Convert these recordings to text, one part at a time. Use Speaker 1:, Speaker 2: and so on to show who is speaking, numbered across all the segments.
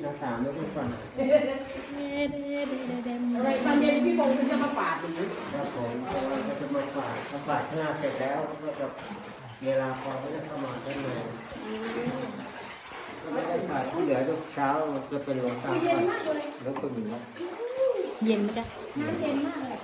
Speaker 1: หน้าต่างไม่ได้ฟัง
Speaker 2: อะไรตอนเย็นพี่พงศ์จะมาปาดหรือ
Speaker 1: ครับผมเราจะมาฝากหน้าเสร็จแล้วก็จะเวลาพอก็จะเข้ามาด้านในไม่ได้ฝากที่เหลือทุกเช้าจะเป็นหลวงตา
Speaker 2: เย็นมากเลย
Speaker 1: แล้วก็อยู่นะ
Speaker 3: เย็นไหมจ๊ะ
Speaker 2: น้ำเย็นมากเลย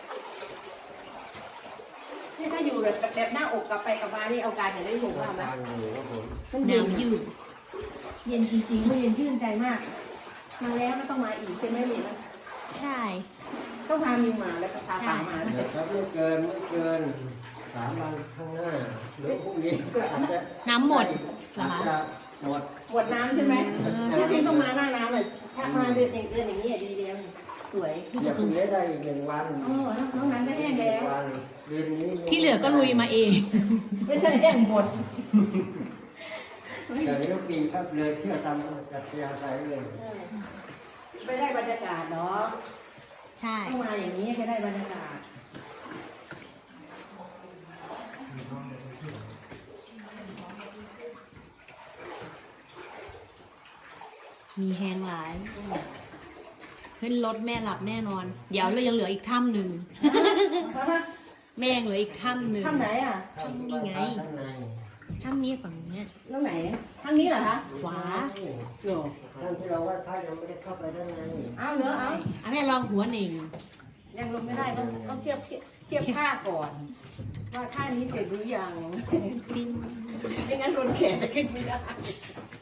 Speaker 2: นี่ถ้าอยู่แบบหน้าอกกลับไปกลับมานี่เอาการจะได้ถูกว่าไหม
Speaker 1: ทางอยู่ครับผม
Speaker 2: มันเย็น
Speaker 3: น้ำยืด
Speaker 2: เย็นจริงๆมันเย็นชื่นใจมาก มาแล้วก็ต้องมาอีกใช่ไหมนี่นะ
Speaker 3: ใช่
Speaker 2: ต้องพามิวมาแล้วก็พาปังมา
Speaker 1: เดี๋ยวถ้าไม่เกิน3 วันข้างหน้าหรือพรุ่งนี้ก็อาจจะ
Speaker 3: น้ำหมดเหรอ
Speaker 1: อาจ
Speaker 3: คะ
Speaker 1: จะหมด
Speaker 2: ปวดน้ำใช่ไหมที่จริงต้องมาหน้าน้ำเลยถ้ามาเดือนอย่างนี้ดีเดียวสวย
Speaker 1: จะพรุ่งนี้ได้อีก1 วัน
Speaker 2: โอ้น้องนั้นก็แห้งแล้ว
Speaker 1: วันเดือนนี้
Speaker 3: ที่เหลือก็ลุยมาเอง
Speaker 2: ไม่ใช่แห้งหมด
Speaker 1: แต่นี้ก็ปีครับเลยเชื่อตามกัตยาใจเลย
Speaker 2: ไม่ได้บรรยากาศเนาะ
Speaker 3: ใช่
Speaker 2: ต้องมาอย่างนี้จะได้บรรยากาศ
Speaker 3: มีแฮงหลายขึ้นรถแม่หลับแน่นอน เดี๋ยวเรายังเหลืออีกถ้ำหนึ่ง แม่ยังเหลืออีกถ้ำหนึ่ง
Speaker 2: ข้างไหนอ่ะ
Speaker 3: ถ้ำนี่ไง
Speaker 1: ข้างใน
Speaker 3: ถ้ำนี้ฝั่งเนี้ย
Speaker 2: ข้างไหนข้างนี้เหรอคะ
Speaker 3: ขวา
Speaker 2: โย่
Speaker 1: ท่านที่เราว่าถ้ายังไม่ได้เข้าไปด้านใน
Speaker 2: เอาเหรอเอา
Speaker 3: อ่ะแม่ลองหัวหนึ่ง
Speaker 2: ยังลงไม่ได้ต้องเทียบท่าก่อน ว่าท่านี้เสร็จหรือยัง
Speaker 3: ติ้ง
Speaker 2: ไม่งั้นคนแขนจะขึ้นไม่ได้